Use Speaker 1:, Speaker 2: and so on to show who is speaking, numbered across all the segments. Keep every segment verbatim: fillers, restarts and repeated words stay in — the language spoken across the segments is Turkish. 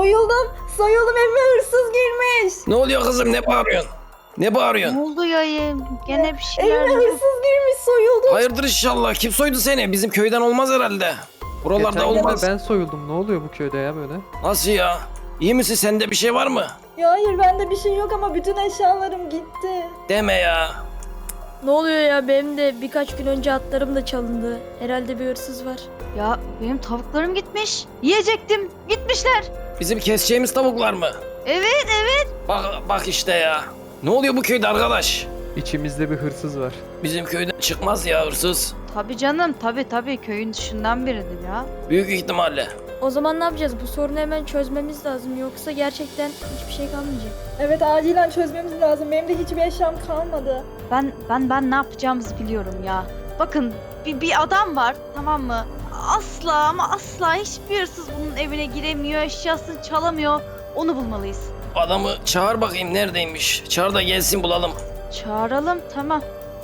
Speaker 1: Soyuldum. Soyuldum, evime hırsız girmiş.
Speaker 2: Ne oluyor kızım, ne bağırıyorsun? Ne bağırıyorsun?
Speaker 3: Ne oldu yayım? Gene bir şeyler
Speaker 1: Evime
Speaker 3: oldu.
Speaker 1: hırsız girmiş, soyuldum.
Speaker 2: Hayırdır inşallah. Kim soydu seni? Bizim köyden olmaz herhalde. Buralarda
Speaker 4: Geçen gün de
Speaker 2: olmaz.
Speaker 4: ben soyuldum. Ne oluyor bu köyde ya böyle?
Speaker 2: Nasıl ya? İyi misin? Sende bir şey var mı?
Speaker 1: Ya hayır, bende bir şey yok ama bütün eşyalarım gitti.
Speaker 2: Deme ya.
Speaker 5: Ne oluyor ya, benim de birkaç gün önce atlarım da çalındı. Herhalde bir hırsız var.
Speaker 3: Ya benim tavuklarım gitmiş. Yiyecektim. Gitmişler.
Speaker 2: Bizim keseceğimiz tavuklar mı?
Speaker 3: Evet evet.
Speaker 2: Bak bak işte ya. Ne oluyor bu köyde arkadaş?
Speaker 4: İçimizde bir hırsız var.
Speaker 2: Bizim köyden çıkmaz ya hırsız.
Speaker 3: Tabii canım. Tabii tabii. Köyün dışından biridir ya.
Speaker 2: Büyük ihtimalle.
Speaker 5: O zaman ne yapacağız? Bu sorunu hemen çözmemiz lazım. Yoksa gerçekten hiçbir şey kalmayacak.
Speaker 1: Evet, acilen çözmemiz lazım. Benim de hiçbir eşyam kalmadı.
Speaker 3: Ben ben ben ne yapacağımızı biliyorum ya. Bakın bir, bir adam var, tamam mı? Asla ama asla hiçbir hırsız bunun evine giremiyor, eşyasını çalamıyor. Onu bulmalıyız.
Speaker 2: Adamı çağır bakayım, neredeymiş? Çağır da gelsin bulalım.
Speaker 3: Çağıralım, tamam.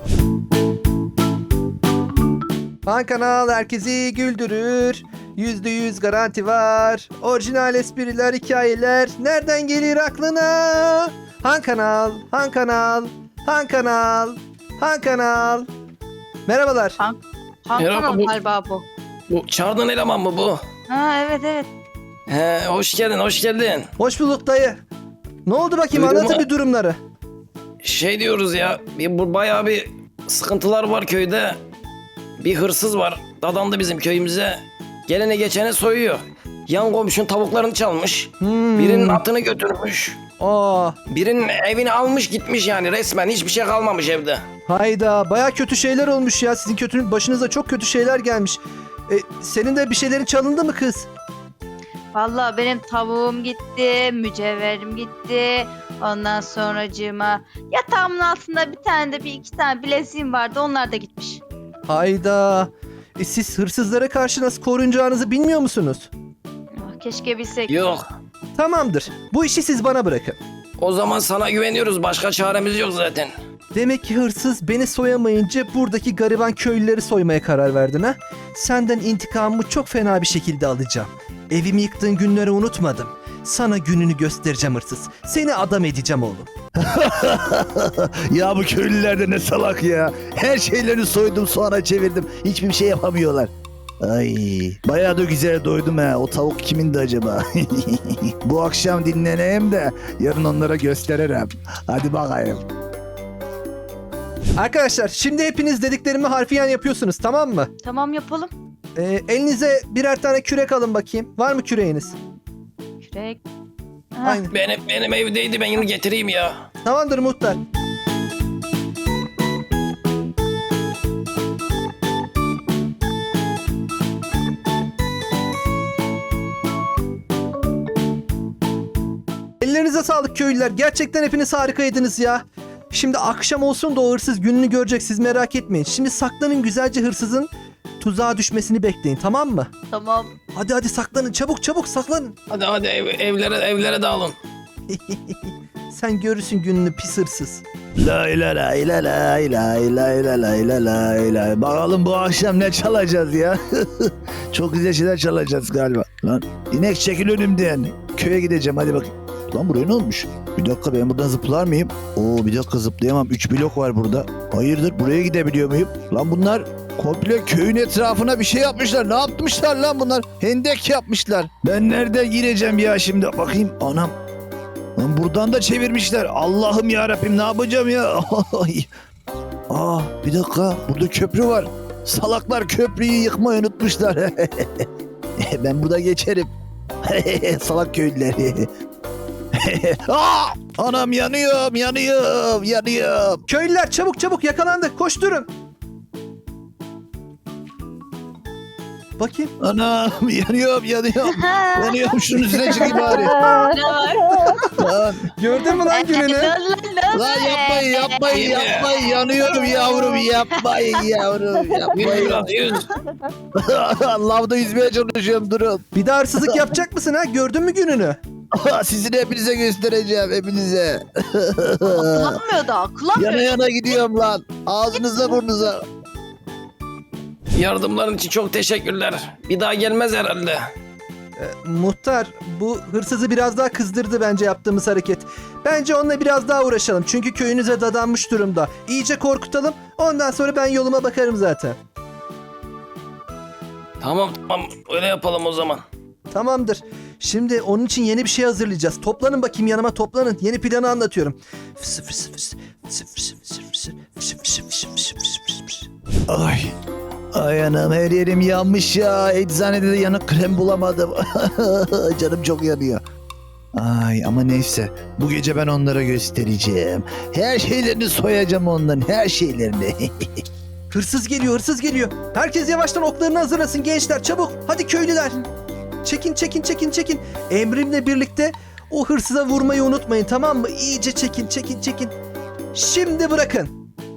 Speaker 6: Han Kanal herkesi güldürür. Yüzde yüz garanti var. Orijinal espriler, hikayeler nereden gelir aklına? Han Kanal, Han Kanal, Han Kanal, Han Kanal. Merhabalar.
Speaker 3: Han
Speaker 2: Merhaba,
Speaker 3: Kanal
Speaker 2: bu-
Speaker 3: galiba bu.
Speaker 2: Bu çağırdığın eleman mı bu?
Speaker 3: Ha evet evet.
Speaker 2: He, hoş geldin, hoş geldin.
Speaker 6: Hoş bulduk dayı. Ne oldu bakayım,
Speaker 2: Duydun
Speaker 6: anlatın
Speaker 2: mu?
Speaker 6: bir durumları.
Speaker 2: Şey diyoruz ya, bir, bu bayağı bir sıkıntılar var köyde. Bir hırsız var, dadandı bizim köyümüze. Gelene geçene soyuyor. Yan komşunun tavuklarını çalmış.
Speaker 6: Hmm.
Speaker 2: Birinin atını götürmüş.
Speaker 6: Aa,
Speaker 2: Birinin evini almış gitmiş yani, resmen hiçbir şey kalmamış evde.
Speaker 6: hayda, baya kötü şeyler olmuş ya. Sizin kötü, başınıza çok kötü şeyler gelmiş. E, senin de bir şeylerin çalındı mı kız?
Speaker 3: Vallahi benim tavuğum gitti, mücevherim gitti. Ondan sonracığıma yatağımın altında bir tane de bir iki tane bileziğim vardı. Onlar da gitmiş.
Speaker 6: Hayda. E, siz hırsızlara karşı nasıl korunacağınızı bilmiyor musunuz?
Speaker 3: Ah, keşke bilsek.
Speaker 2: Yok.
Speaker 6: Tamamdır. Bu işi siz bana bırakın.
Speaker 2: O zaman sana güveniyoruz, başka çaremiz yok zaten.
Speaker 6: Demek ki hırsız beni soyamayınca buradaki gariban köylüleri soymaya karar verdin ha? Senden intikamımı çok fena bir şekilde alacağım. Evimi yıktığın günleri unutmadım. Sana gününü göstereceğim hırsız. Seni adam edeceğim oğlum.
Speaker 7: Ya bu köylüler de ne salak ya. Her şeylerini soydum, soğana çevirdim. Hiçbir şey yapamıyorlar. Ay, bayağı da güzel doydum ha. O tavuk kimindi acaba? Bu akşam dinleneyim de yarın onlara gösteririm. Hadi bakayım.
Speaker 6: Arkadaşlar şimdi hepiniz dediklerimi harfiyen yapıyorsunuz, tamam mı?
Speaker 3: Tamam yapalım.
Speaker 6: Ee, elinize birer tane kürek alın bakayım. Var mı küreğiniz?
Speaker 3: Kürek. Ha,
Speaker 6: Aynen.
Speaker 2: Benim benim evdeydi, ben onu getireyim ya.
Speaker 6: Tamamdır muhtar. Ellerinize sağlık köylüler. Gerçekten hepiniz harikaydınız ya. Şimdi akşam olsun da o hırsız gününü görecek, siz merak etmeyin. Şimdi saklanın, güzelce hırsızın tuzağa düşmesini bekleyin, tamam mı?
Speaker 3: Tamam.
Speaker 6: Hadi hadi saklanın, çabuk çabuk saklanın.
Speaker 2: Hadi hadi ev, evlere evlere dağılın.
Speaker 6: Sen görürsün gününü pis hırsız.
Speaker 7: Lay lay lay lay lay lay lay lay lay lay lay lay. Bakalım bu akşam ne çalacağız ya. Çok güzel şeyler çalacağız galiba. Lan inek çekil önümden. Köye gideceğim, hadi bakayım. Lan buraya ne olmuş? Bir dakika, ben buradan zıplar mıyım? Oo, bir dakika, zıplayamam. Üç blok var burada. Hayırdır, buraya gidebiliyor muyum? Lan bunlar komple köyün etrafına bir şey yapmışlar. Ne yapmışlar lan bunlar? Hendek yapmışlar. Ben nereden gireceğim ya şimdi? Bakayım, anam. Lan buradan da çevirmişler. Allah'ım ya Rabbim, ne yapacağım ya? Aa, bir dakika, burada köprü var. Salaklar köprüyü yıkmayı unutmuşlar. Ben burada geçerim. Salak köylüler. Aa, anam, yanıyorum, yanıyorum, yanıyorum.
Speaker 6: Köylüler çabuk çabuk, yakalandık, koşturun. Bakayım.
Speaker 7: Anam, yanıyorum, yanıyorum. Yanıyorum, şunun üstüne çıkayım bari. Lan,
Speaker 6: Gördün mü lan gününü?
Speaker 7: lan yapmayın, yapmayın, yapmayın. Yanıyorum yavrum, yapmayın yavrum,
Speaker 2: Yüz
Speaker 7: yapmayın.
Speaker 2: biraz yüz.
Speaker 7: Lavda yüzmeye çalışıyorum, durun.
Speaker 6: Bir daha hırsızlık yapacak mısın ha? Gördün mü gününü?
Speaker 7: Sizin hepinize göstereceğim, hepinize.
Speaker 3: Kullanmıyor da. Kullanmıyor.
Speaker 7: Yana yana gidiyorum lan. Ağzınıza burnunuza.
Speaker 2: Yardımların için çok teşekkürler. Bir daha gelmez herhalde.
Speaker 6: Ee, muhtar, bu hırsızı biraz daha kızdırdı bence yaptığımız hareket. Bence onunla biraz daha uğraşalım. Çünkü köyünüze dadanmış durumda. İyice korkutalım. Ondan sonra ben yoluma bakarım zaten.
Speaker 2: Tamam tamam öyle yapalım o zaman.
Speaker 6: Tamamdır. Şimdi onun için yeni bir şey hazırlayacağız. Toplanın bakayım yanıma, toplanın. Yeni planı anlatıyorum. Fıs fıs fıs, fıs fıs fıs fıs, fıs fıs fıs fıs fıs fıs.
Speaker 7: Ay. Ay anam her yerim yanmış ya. Eczanede de yanık krem bulamadım. Canım çok yanıyor. Ay ama neyse. Bu gece ben onlara göstereceğim. Her şeylerini soyacağım onların. Her şeylerini.
Speaker 6: Hırsız geliyor, hırsız geliyor. Herkes yavaştan oklarını hazırlasın gençler, çabuk. Hadi köylüler. Çekin, çekin, çekin, çekin. Emrimle birlikte o hırsıza vurmayı unutmayın, tamam mı? İyice çekin, çekin, çekin. Şimdi bırakın.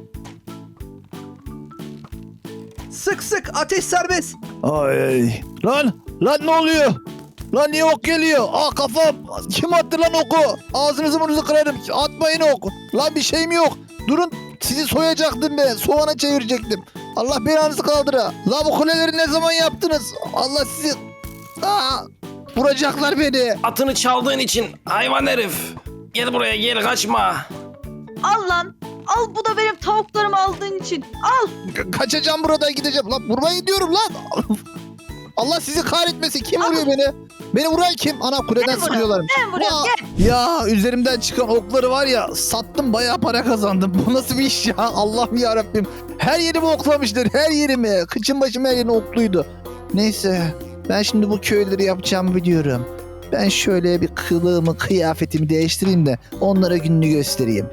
Speaker 6: Sık sık, ateş serbest.
Speaker 7: Ay. Lan. Lan ne oluyor? Lan niye ok geliyor? Aa kafam. Kim attı lan oku? Ağzınızı burnunuzu kırarım. Atmayın ok. Lan bir şeyim yok. Durun. Sizi soyacaktım ben. Soğana çevirecektim. Allah belanızı kaldıra. La bu kuleleri ne zaman yaptınız? Allah sizi... Aa, vuracaklar beni.
Speaker 2: Atını çaldığın için hayvan herif. Gel buraya gel kaçma.
Speaker 3: Al lan. Al bu da benim tavuklarımı aldığın için. Al.
Speaker 7: Ka- kaçacağım buradan gideceğim. Lan vurmayı diyorum lan. Allah sizi kahretmesin. Kim vuruyor beni? Beni vuran kim? Ana kuleden
Speaker 3: Ben vuruyorum,
Speaker 7: sıkıyorlarmış.
Speaker 3: Ben vuruyorum
Speaker 7: Aa,
Speaker 3: gel.
Speaker 7: Ya üzerimden çıkan okları var ya sattım bayağı para kazandım. Bu nasıl bir iş ya? Allah'ım ya Rabbim. Her yerimi oklamışlar. Her yerimi. Kıçım başım her yerim okluydu. Neyse. Ben şimdi bu köyleri yapacağımı biliyorum. Ben şöyle bir kılığımı, kıyafetimi değiştireyim de onlara gününü göstereyim.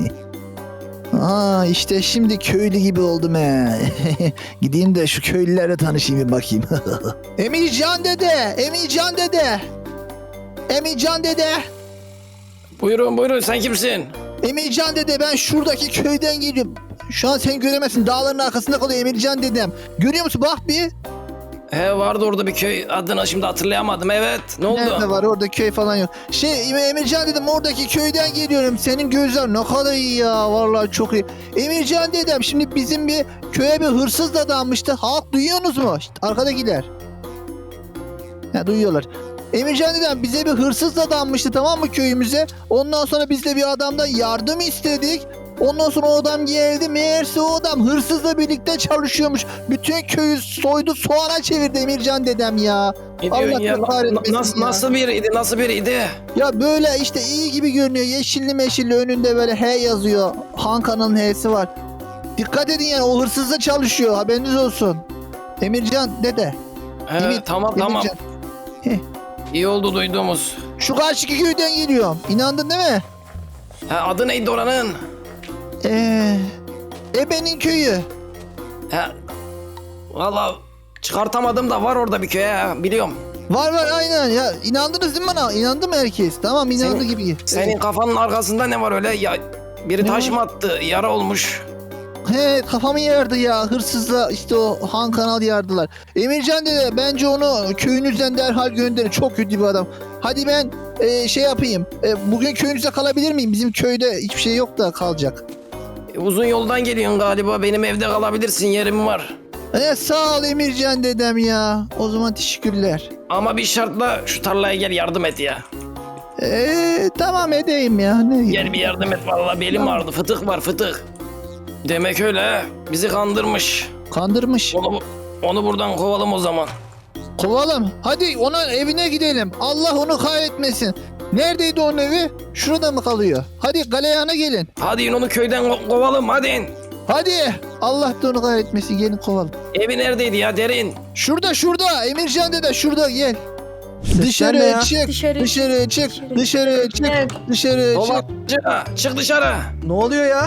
Speaker 7: Aa işte şimdi köylü gibi oldum he. Gideyim de şu köylülerle tanışayım bir bakayım. Emircan dede, Emircan dede. Emircan dede.
Speaker 2: Buyurun buyurun sen kimsin?
Speaker 7: Emircan dede ben şuradaki köyden geliyorum. Şu an sen göremezsin. Dağların arkasında kalıyor Emircan dedem. Görüyor musun? Bak bir.
Speaker 2: He vardı orada bir köy adını şimdi hatırlayamadım evet. Ne oldu?
Speaker 7: Nerede var? Orada köy falan yok. Şey Emircan dedem oradaki köyden geliyorum. Senin gözler ne kadar iyi ya. Vallahi çok iyi. Emircan dedem şimdi bizim bir köye bir hırsız da dadanmıştı. Halk duyuyorsunuz mu? İşte arkadakiler. Ha duyuyorlar. Emircan dedem bize bir hırsız da dadanmıştı tamam mı köyümüze? Ondan sonra biz de bir adamdan yardım istedik. Ondan sonra o adam geldi. Meğerse o adam hırsızla birlikte çalışıyormuş. Bütün köyü soydu soğana çevirdi Emircan dedem ya.
Speaker 2: Ne diyorsun
Speaker 7: Allah
Speaker 2: ya?
Speaker 7: kahretmesin
Speaker 2: Nasıl,
Speaker 7: ya.
Speaker 2: nasıl biriydi nasıl biriydi?
Speaker 7: Ya böyle işte iyi gibi görünüyor. Yeşilli meşilli önünde böyle H yazıyor. Han kanalın H'si var. Dikkat edin yani o hırsızla çalışıyor. Haberiniz olsun. Emircan dede.
Speaker 2: He,
Speaker 7: Emir-
Speaker 2: tamam tamam.
Speaker 7: Emircan.
Speaker 2: İyi oldu duyduğumuz.
Speaker 7: Şu karşıki köyden geliyorum. İnandın değil mi?
Speaker 2: He, adı neydi oranın?
Speaker 7: Eee... Ebe'nin köyü.
Speaker 2: He, valla çıkartamadım da var orada bir köy he, biliyorum.
Speaker 7: Var var aynen ya. İnandınız değil mi bana? İnandı mı herkes? Tamam inandı
Speaker 2: Senin-
Speaker 7: gibi.
Speaker 2: Senin kafanın arkasında ne var öyle? Ya biri
Speaker 7: Ne
Speaker 2: taş
Speaker 7: var?
Speaker 2: mı attı? Yara olmuş.
Speaker 7: He kafamı yardı ya hırsızla işte o Han Kanal yardılar. Emircan dede bence onu köyünüzden derhal gönderin çok kötü bir adam. Hadi ben e, şey yapayım e, bugün köyünüzde kalabilir miyim? Bizim köyde hiçbir şey yok da kalacak.
Speaker 2: E, uzun yoldan geliyorsun galiba. Benim evde kalabilirsin yerim var.
Speaker 7: E, sağ ol Emircan dedem ya. O zaman teşekkürler.
Speaker 2: Ama bir şartla şu tarlaya gel yardım et ya.
Speaker 7: E, tamam edeyim ya. Ne
Speaker 2: Gel bir yardım et vallahi belim
Speaker 7: Tamam.
Speaker 2: ağrıdı. Fıtık var fıtık. Demek öyle he. Bizi kandırmış.
Speaker 7: Kandırmış.
Speaker 2: Onu, onu buradan kovalım o zaman.
Speaker 7: Kovalım. Hadi onun evine gidelim. Allah onu kahretmesin. Neredeydi onun evi? Şurada mı kalıyor? Hadi galeyana gelin.
Speaker 2: Hadi onu köyden ko- kovalım hadi.
Speaker 7: Hadi. Allah da onu kahretmesin. Gelin kovalım.
Speaker 2: Evi neredeydi ya derin?
Speaker 7: Şurada şurada. Emircan dede şurada gel.
Speaker 6: Sesler ne
Speaker 7: Dışarı
Speaker 6: ya?
Speaker 7: çık.
Speaker 5: Dışarı
Speaker 7: Dışarı çık.
Speaker 5: Dışarı.
Speaker 7: Dışarı çık.
Speaker 5: Evet.
Speaker 7: Dışarı çık.
Speaker 2: Dolandırıcı çık dışarı.
Speaker 6: Ne oluyor ya?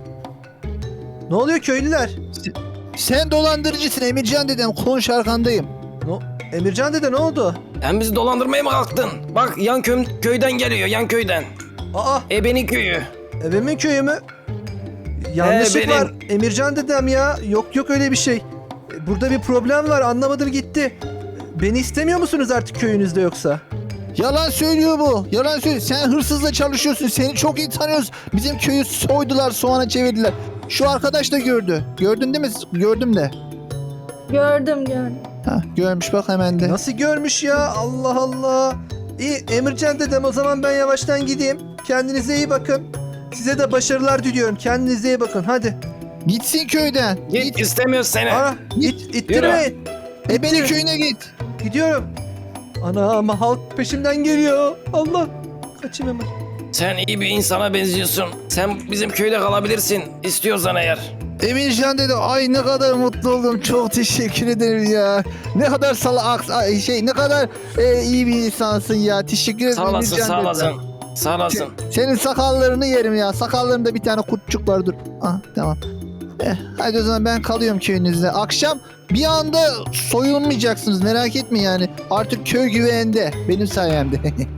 Speaker 6: Ne oluyor köylüler?
Speaker 7: Sen dolandırıcısın Emircan dedem. Konuş arkandayım.
Speaker 6: No, Emircan dede ne oldu?
Speaker 2: Sen bizi dolandırmaya mı kalktın? Bak yan köy, köyden geliyor yan köyden.
Speaker 6: Aa,
Speaker 2: Ebenin köyü.
Speaker 6: evimin köyü mü? Yanlışlık
Speaker 2: He, benim.
Speaker 6: var. Emircan dedem ya. Yok yok öyle bir şey. Burada bir problem var. Anlamadım gitti. Beni istemiyor musunuz artık köyünüzde yoksa?
Speaker 7: Yalan söylüyor bu. Yalan söylüyor. Sen hırsızla çalışıyorsun. Seni çok iyi tanıyoruz. Bizim köyü soydular, soğana çevirdiler. Şu arkadaş da gördü. Gördün değil mi? Gördüm de.
Speaker 5: Gördüm gördüm.
Speaker 7: Ha. Görmüş bak hemen de.
Speaker 6: Nasıl görmüş ya? Allah Allah. İyi Emircan dedem, o zaman ben yavaştan gideyim. Kendinize iyi bakın. Size de başarılar diliyorum. Kendinize iyi bakın. Hadi.
Speaker 7: Gitsin köyden.
Speaker 2: Git,
Speaker 7: Git.
Speaker 2: istemiyoruz seni.
Speaker 6: Ara. İt, ittirmeyin.
Speaker 7: Ebenin köyüne git.
Speaker 6: Gidiyorum. Anam, halk peşimden geliyor. Allah. Kaçayım hemen.
Speaker 2: Sen iyi bir insana benziyorsun. Sen bizim köyde kalabilirsin. İstiyorsan eğer.
Speaker 7: Emircan dedi, ay ne kadar mutlu oldum, çok teşekkür ederim ya. Ne kadar salak, ay şey ne kadar e, iyi bir insansın ya, teşekkür ederim
Speaker 2: Sağ olasın,
Speaker 7: Emircan
Speaker 2: sağ
Speaker 7: dedi.
Speaker 2: olasın. Sağ olasın.
Speaker 7: Senin sakallarını yerim ya, sakallarında bir tane kurtçuk var, dur. Ah, tamam. Eh, hadi o zaman ben kalıyorum köyünüzde. Akşam bir anda soyulmayacaksınız, merak etme yani. Artık köy güvende, benim sayemde.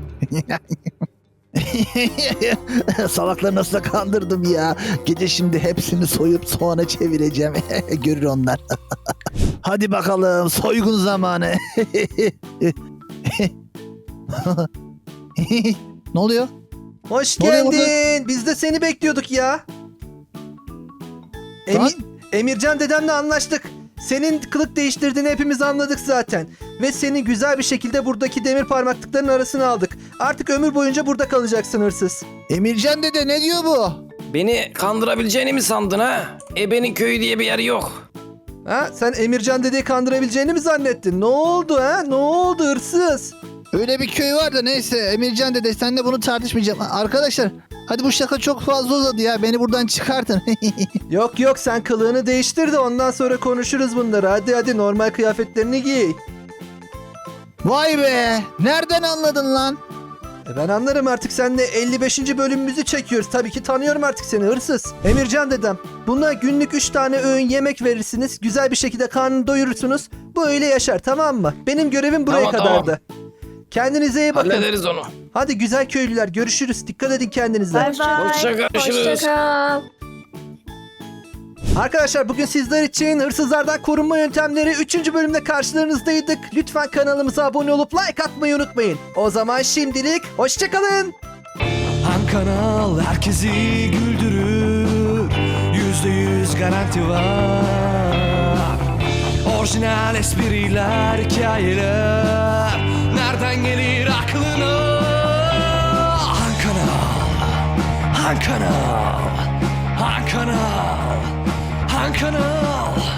Speaker 7: Salakları nasıl kandırdım ya. Gece şimdi hepsini soyup soğana çevireceğim. Görür onlar. Hadi bakalım, soygun zamanı. Ne oluyor?
Speaker 6: Hoş
Speaker 7: Ne oluyor
Speaker 6: geldin. Biz de seni bekliyorduk ya.
Speaker 7: Lan.
Speaker 6: Emi- Emircan dedemle anlaştık. Senin kılık değiştirdiğini hepimiz anladık zaten. Ve seni güzel bir şekilde buradaki demir parmaklıkların arasına aldık. Artık ömür boyunca burada kalacaksın hırsız.
Speaker 7: Emircan dede ne diyor bu?
Speaker 2: Beni kandırabileceğini mi sandın ha? Ebenin köyü diye bir yer yok.
Speaker 6: Ha? Sen Emircan dedeyi kandırabileceğini mi zannettin? Ne oldu ha? Ne oldu hırsız?
Speaker 7: Öyle bir köy var da neyse Emircan dede, senle bunu tartışmayacağım. Arkadaşlar hadi bu şaka çok fazla uzadı ya, beni buradan çıkartın.
Speaker 6: Yok yok, sen kılığını değiştir de ondan sonra konuşuruz bunları. Hadi hadi, normal kıyafetlerini giy.
Speaker 7: Vay be, nereden anladın lan?
Speaker 6: E ben anlarım, artık seninle elli beşinci bölümümüzü çekiyoruz. Tabii ki tanıyorum artık seni hırsız. Emircan dedem, buna günlük üç tane öğün yemek verirsiniz. Güzel bir şekilde karnını doyurursunuz. Bu öyle yaşar, tamam mı? Benim görevim buraya
Speaker 2: Tamam,
Speaker 6: kadardı. Kendinize iyi bakın.
Speaker 2: Hallederiz onu.
Speaker 6: Hadi güzel köylüler, görüşürüz. Dikkat edin kendinize.
Speaker 5: Bay bay.
Speaker 2: Hoşça görüşürüz.
Speaker 5: Hoşça kal.
Speaker 6: Arkadaşlar bugün sizler için hırsızlardan korunma yöntemleri üçüncü bölümde karşılarınızdaydık. Lütfen kanalımıza abone olup like atmayı unutmayın. O zaman şimdilik hoşçakalın.
Speaker 8: Han kanal herkesi güldürür, yüzde yüz garanti var. Orijinal espriler, hikayeler, nereden gelir aklına? Han kanal, Han kanal, Han kanal, Han kanal.